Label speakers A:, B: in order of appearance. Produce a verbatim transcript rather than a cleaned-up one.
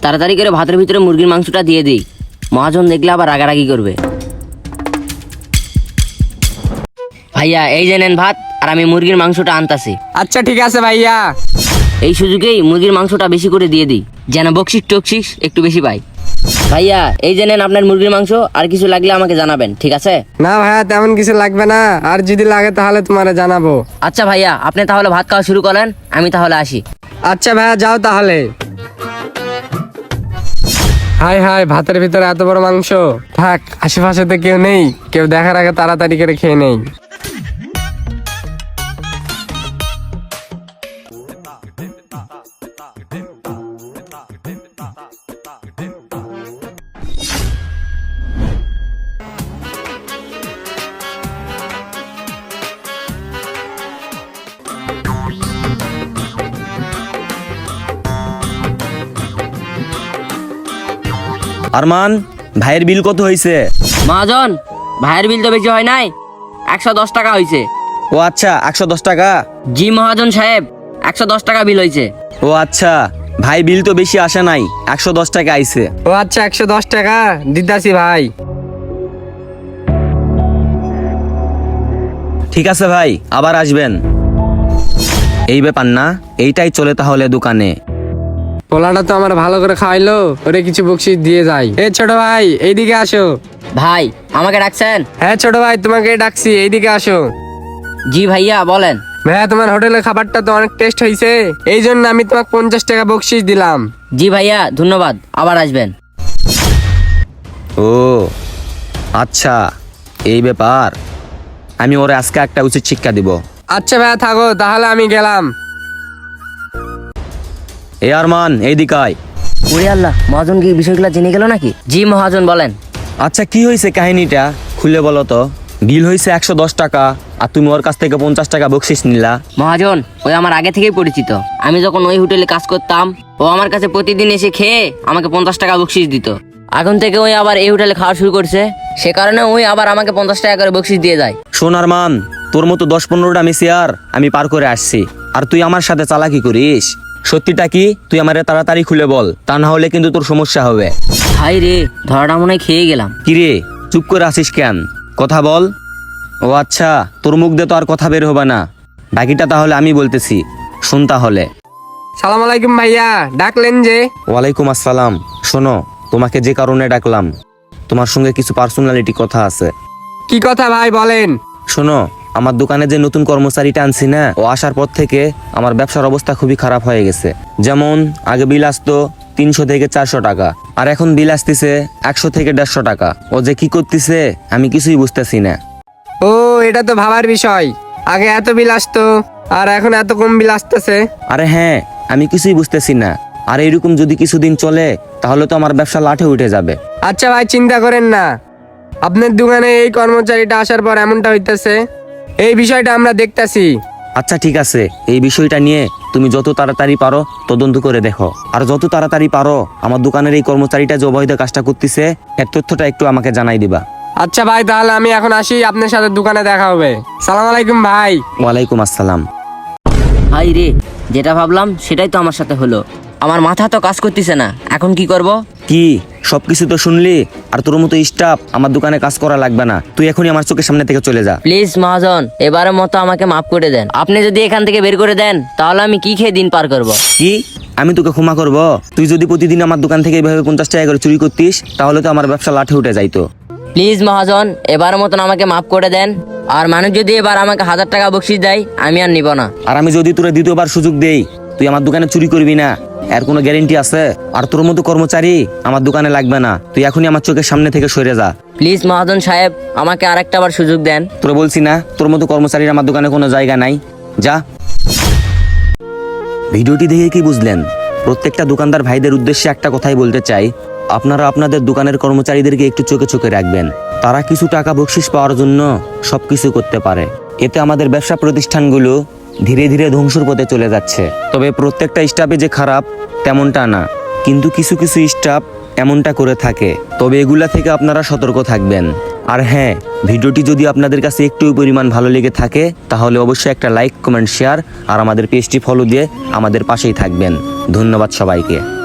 A: তাড়াতাড়ি করে ভাতের ভিতরে মুরগির মাংসটা দিয়ে দিই, মহাজন দেখলে আবার রাগারাগি করবে। ভাইয়া এই যে নেন ভাত, আর আমি মুরগির মাংসটা আনতাছি।
B: আচ্ছা ঠিক আছে ভাইয়া।
A: এই সুযোগেই মুরগির মাংসটা বেশি করে দিয়ে দিই, যেন বকশিস টকশিস একটু বেশি পাই। ভাইয়া এই যে নেন আপনার মুরগির মাংস, আর কিছু লাগলে আমাকে জানাবেন, ঠিক আছে?
B: না ভাইয়া তেমন কিছু লাগবে না, আর যদি লাগে তাহলে তোমারে জানাবো।
A: আচ্ছা ভাইয়া, আপনি তাহলে ভাত খাওয়া শুরু করেন, আমি তাহলে আসি।
B: আচ্ছা ভাইয়া যাও তাহলে। হাই হাই, ভাতের ভিতরে এত বড় মাংস। থাক, আশেপাশে তো কেউ নেই, কেউ দেখার আগে তাড়াতাড়ি করে খেয়ে নেই।
C: আরমান, ভাইয়ের বিল কত হয়েছে?
A: মহাজন ভাইয়ের বিল তো বেশি হয় নাই, একশো দশ টাকা হয়েছে।
C: ও আচ্ছা, একশো দশ টাকা।
A: জি মহাজন সাহেব, একশো দশ টাকা বিল হয়েছে।
C: ও আচ্ছা, ভাই বিল তো বেশি আসে নাই, একশো দশ টাকা আইছে।
B: ও আচ্ছা, একশো দশ টাকা দিতাছি ভাই।
C: ঠিক আছে ভাই, আবার আসবেন। এই ব্যাপার না, এইটাই চলে তাহলে দোকানে।
B: পোলাটা তো আমার ভালো করে খাওয়াইলো, ওরে কিছু বকশিস দিয়ে যাই। এ ছোট ভাই এইদিকে আসো।
A: ভাই আমাকে ডাকছেন?
B: হ্যাঁ ছোট ভাই, তোমাকে ডাকছি, এইদিকে আসো।
A: জি ভাইয়া বলেন।
B: ভাইয়া তোমার হোটেলের খাবারটা তো অনেক টেস্ট হয়েছে, এই জন্য আমি তোমাকে পঞ্চাশ টাকা বকশিস দিলাম।
A: জি ভাইয়া ধন্যবাদ, আবার আসবেন।
C: ও আচ্ছা, এই ব্যাপার। আমি ওরে আজকে একটা উচিত শিক্ষা দিব।
B: আচ্ছা ভাইয়া থাকো তাহলে, আমি গেলাম।
C: এ আরমান, এই দিকায়।
A: ওরে আল্লাহ, মহাজন কি বিষয়গুলো জেনে গেল নাকি? জি মহাজন বলেন।
C: আচ্ছা কি হয়েছে কাহিনীটা খুলে বলো তো। বিল হয়েছে একশো দশ টাকা, আর তুমি ওর কাছ থেকে পঞ্চাশ টাকা বকশিস নিলা।
A: মহাজন ওই আমার আগে থেকেই পরিচিত, আমি যখন ওই হোটেলে কাজ করতাম ও আমার কাছে প্রতিদিন এসে খেয়ে আমাকে পঞ্চাশ টাকা বকশিস দিত। এখন থেকে ওই আবার এই হোটেলে খাওয়া শুরু করছে, সে কারণে ওই আবার আমাকে পঞ্চাশ টাকা করে বকশিস দিয়ে যায়।
C: শোন আরমান, তোর মতো দশ পনেরোটা মিসিয়ার আমি পার করে আসছি, আর তুই আমার সাথে চালাকি করিস। সত্যিটা কি তুই আমারে তাড়াতাড়ি খুলে বল, তা না হলে কিন্তু তোর সমস্যা হবে।
A: হাই রে, ধরাটা মনে হয় খেয়ে গেলাম।
C: কিরে চুপ করে আসিস কেন, কথা বল। ও আচ্ছা, তোর মুখ দিয়ে তো আর কথা বের হবে না, বাকিটা তাহলে আমি বলতেছি, শুন তাহলে।
B: সালাম আলাইকুম ভাইয়া, ডাকলেন যে?
C: ওয়ালাইকুম আসসালাম। শোনো, তোমাকে যে কারণে ডাকলাম, তোমার সঙ্গে কিছু পার্সোনালিটি কথা আছে।
B: কি কথা ভাই বলেন।
C: শোনো, আমার দোকানে যে নতুন কর্মচারীটা আনছি না, ও আসার পর থেকে আমার ব্যবসার অবস্থা খুবই খারাপ হয়ে গেছে। যেমন আগে বিল আসতো তিনশো থেকে চারশো টাকা, আর এখন বিল আসতেছে একশো থেকে দেড়শো টাকা। ও যে কি করতেছে আমি কিছুই বুঝতেছি না।
B: ও এটা তো ভাবার বিষয়, আগে এত বিল আসতো আর এখন এত কম বিল আসতেছে।
C: আরে হ্যাঁ, আমি কিছুই বুঝতেছি না। আর এইরকম যদি কিছুদিন চলে তাহলে তো আমার ব্যবসা লাঠে উঠে যাবে।
B: আচ্ছা ভাই চিন্তা করেন না, আপনার দোকানে এই কর্মচারীটা আসার পর এমনটা হইতেছে, এই বিষয়টা আমরা দেখতাছি।
C: আচ্ছা ঠিক আছে, এই বিষয়টা নিয়ে তুমি যত তাড়াতাড়ি পারো তদন্ত করে দেখো, আর যত তাড়াতাড়ি পারো আমার দোকানের এই কর্মচারীটা যে অবৈধ কাজটা করতেছে এর তথ্যটা একটু আমাকে জানাই দিবা।
B: আচ্ছা ভাই তাহলে আমি এখন আসি, আপনার সাথে দোকানে দেখা হবে। সালাম আলাইকুম ভাই।
C: ওয়ালাইকুম আসসালাম।
A: হাই রে, যেটা ভাবলাম সেটাই তো আমার সাথে হলো। আমার মাথা তো কাজ করতেছে না, এখন কি করব?
C: কি সবকিছু তো শুনলি, আর তোর মতো স্টাফ আমার দোকানে কাজ করা লাগবে না, তুই এখনই আমার চোখের সামনে থেকে চলে যা।
A: প্লিজ মহাজন, এবারের মতো আমাকে মাফ করে দেন। আপনি যদি এখান থেকে বের করে দেন তাহলে আমি কি খেয়ে দিন পার করব?
C: কি আমি তোকে ক্ষমা করব? তুই যদি প্রতিদিন আমার দোকান থেকে এইভাবে পঞ্চাশ টাকা করে চুরি করতিস তাহলে তো আমার ব্যবসা লাঠে উঠে যাইতো।
A: প্লিজ মহাজন, এবারের মতন আমাকে মাফ করে দেন। আর মানুষ যদি এবার আমাকে হাজার টাকা বকশিস দেয় আমি আর নিব না।
C: আর আমি যদি তোরা দ্বিতীয়বার সুযোগ দেই তুই আমার দোকানে চুরি করবি না, এর কোনো গ্যারেন্টি আছে? আর তোর মতো কর্মচারী আমার দোকানে লাগবে না, তুই এখনই আমার চোখের সামনে থেকে সরে যা।
A: প্লিজ মহাজন সাহেব, আমাকে আরেকটা বার সুযোগ দেন।
C: তোরা বলছি না তোর মতো কর্মচারীর আমার দোকানে কোনো জায়গা নাই, যা। ভিডিওটি দেখে কি বুঝলেন? প্রত্যেকটা দোকানদার ভাইদের উদ্দেশ্যে একটা কথাই বলতে চাই, আপনারা আপনাদের দোকানের কর্মচারীদেরকে একটু চোখে চোখে রাখবেন। তারা কিছু টাকা বকশিস পাওয়ার জন্য সবকিছু করতে পারে, এতে আমাদের ব্যবসা প্রতিষ্ঠানগুলো ধীরে ধীরে ধ্বংসের পথে চলে যাচ্ছে। তবে প্রত্যেকটা স্টাফে যে খারাপ তেমনটা না, কিন্তু কিছু কিছু স্টাফ এমনটা করে থাকে। তবে এগুলা থেকে আপনারা সতর্ক থাকবেন। আর হ্যাঁ, ভিডিওটি যদি আপনাদের কাছে একটু পরিমাণ ভালো লেগে থাকে তাহলে অবশ্যই একটা লাইক, কমেন্ট, শেয়ার আর আমাদের পেজটি ফলো দিয়ে আমাদের পাশেই থাকবেন। ধন্যবাদ সবাইকে।